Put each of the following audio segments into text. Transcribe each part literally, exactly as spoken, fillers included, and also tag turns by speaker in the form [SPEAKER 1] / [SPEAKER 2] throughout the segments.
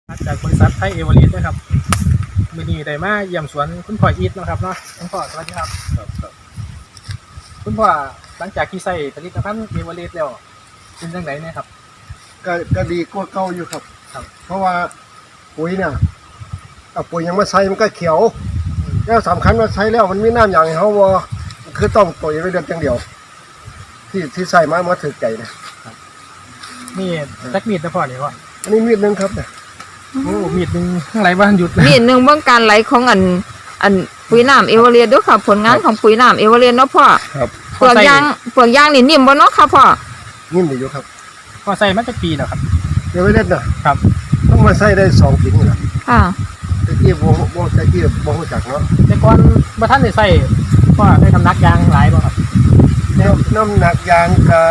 [SPEAKER 1] จากบริษัทไทยเอเวอเรสต์นะครับมือนี้ได้มาเยี่ยมสวนคุณพ่ออีทนะครับเนาะคุณพ่อสวัสดีครับครับครับคุณพ่อหลังจากที่ใส่ผลิตภัณฑ์เอเวอเรสต์แล้วเป็นจังไดเนี่ยครับ
[SPEAKER 2] ก็ก็ดีกว่าเก่าอยู่ครับ
[SPEAKER 1] ครับ
[SPEAKER 2] เพราะว่าปุ๋ยเนี่ยเอาปุ๋ยยังมาใส่มันก็เขียวแล้วสำคัญว่าใช้แล้วมันมีน้ำอย่างเขาว่าคือต้องปุ๋ยไปเดือนจังเดียวที่ที่ใส่มามาถึกใจนะ
[SPEAKER 1] นี่จักมีดนะพ่อเนี่ยว่า
[SPEAKER 2] อันนี้มีดนึงครับเนี่ย
[SPEAKER 1] โอ้มีดหนึ่งข้างไรบ้านหยุด
[SPEAKER 3] มีดหนึ่งเบื้องการไหลของอันอันปุ๋ยน้ำเอเวอเรสต์ด้วยค่ะผลงานของปุ๋ยน้ำเอเวอเรสต์เนาะพ่อ
[SPEAKER 2] ครับ
[SPEAKER 3] เปลือกยางเปลือกยางนี่นิ่มบ่เนาะค่ะพ่อ
[SPEAKER 2] นิ่มดีอยู่ครับ
[SPEAKER 1] พ่อใส่มาจากปีแล้วครับ
[SPEAKER 2] เดี๋ยวไม่เล่นนะครับต้องมาใส่ได้สองปีนี่แหละ
[SPEAKER 3] ค่ะ
[SPEAKER 2] ตะกี้โบโบตะกี้โบหูจักเนาะ
[SPEAKER 1] แต่ก่อนมาท่านได้ใส่พ่อได้ทำนักยางหลายบ่ครับ
[SPEAKER 2] น้ำหนักยางกับ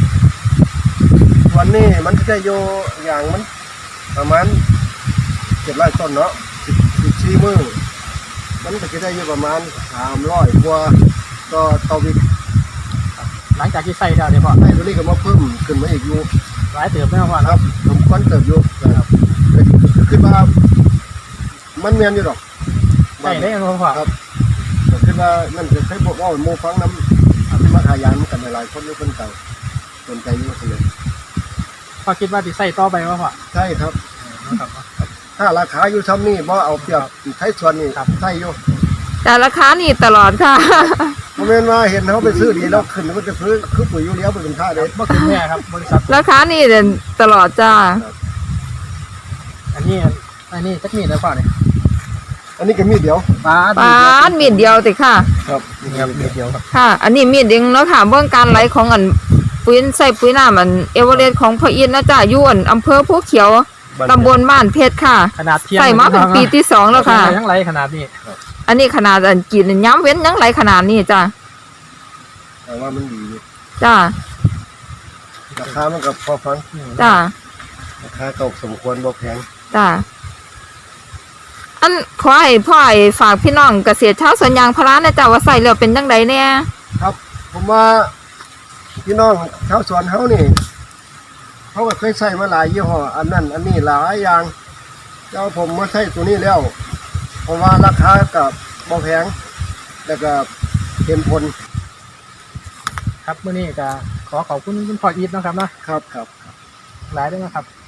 [SPEAKER 2] วันนี้มันจะโยยางมันประมาณเจ็ดร้อยต้นเนาะสิบสี่มือมันก็จะได้อยู่ประมาณสามร้อยกว่าก็ต่อวิก
[SPEAKER 1] หลังจากที่ใส่แล้วเนี่ยพ่อ
[SPEAKER 2] ไอ้ตัวนี้ก็มาเพิ่มขึ้นมาอีกอยู่
[SPEAKER 1] หลายเติบไหมพ่อ
[SPEAKER 2] ครับผมควันเติบอยู่นะครับคือว่ามันเมียนอยู่หรอก
[SPEAKER 1] ใช่ได้ครับพ่อ
[SPEAKER 2] ครับคือว่านั่นจะใช้พวกว่าโมฟังน้ำมาขายยางมันกันหลายคนอยู่คนเก่าสนใจอยู่เลย
[SPEAKER 1] พ่อคิดว่าจะใส่ต่อไปว่าพ่อ
[SPEAKER 2] ใช่ครับถ้าราคาอยู่ซ้ำนี่บ่เอาเปรียบใช้ส่วนนี่ใช่อยู่
[SPEAKER 3] แต่ราคานี่ตลอดค่ะ
[SPEAKER 2] โมเมนต์ว่าเห็นเขาไปซื้อดีแล้วขึ้นมันจะซื้อคือปุ๋ยยูเรียเป็นค่าเด็ด
[SPEAKER 1] เมื่อคืนแม่ครับบริษัท
[SPEAKER 3] ราคานี่เด่นตลอดจ้า
[SPEAKER 1] อันนี้อันนี้จักมีดนะพ่อเนี่ย
[SPEAKER 2] อันนี้ก็มีดเดียว
[SPEAKER 3] ปาดมีดเดียวติค่ะ
[SPEAKER 2] ครับ
[SPEAKER 1] นี่ครับมีดเดียวครับ
[SPEAKER 3] ค่ะอันนี้มีดเดียวเนาะค่ะเบื้องการไหลของอันปุ๋ยใส่ปุ๋ยน้ำอันเอเวอเรสต์ของพ่ออินนะจ้าอยู่อันอำเภอภูเขียวตำบลบ้านเพชรค่ะ
[SPEAKER 1] ขนาดเทียม
[SPEAKER 3] ใส่มาเป็นปีที่สองแล้วค่ะ
[SPEAKER 1] ยังไรขนาดนี้
[SPEAKER 3] อันนี้ขนาดอันกินย้ำเว้นยังไรขนาดนี้จ้า
[SPEAKER 2] แต่ว่ามันดี
[SPEAKER 3] จ้า
[SPEAKER 2] ราคามันก็พอฟัง
[SPEAKER 3] จ้า
[SPEAKER 2] ราคาก็สมควรบ่แพง
[SPEAKER 3] จ้าอันขอให้พ่อให้ฝากพี่น้องเกษตรชาวสวนยางพาราเนี่ยจ้าว่าใส่แล้วเป็นยังไงเนี่ย
[SPEAKER 2] ครับผมว่าพี่น้องชาวสวนเขานี่เขาก็เคยใส่มาหลายยี่ห้ออันนั้นอันนี้หลายอย่างเจ้าผมมาใส่ตัวนี้แล้วเพราะว่าราคากับบ่แพงแล้วก็เห็นผล
[SPEAKER 1] ครับเมื่อนี้จะขอขอบคุณคุณพ่ออีทนะครับนะครับ
[SPEAKER 2] ครับ
[SPEAKER 1] หลายด้วยนะครับ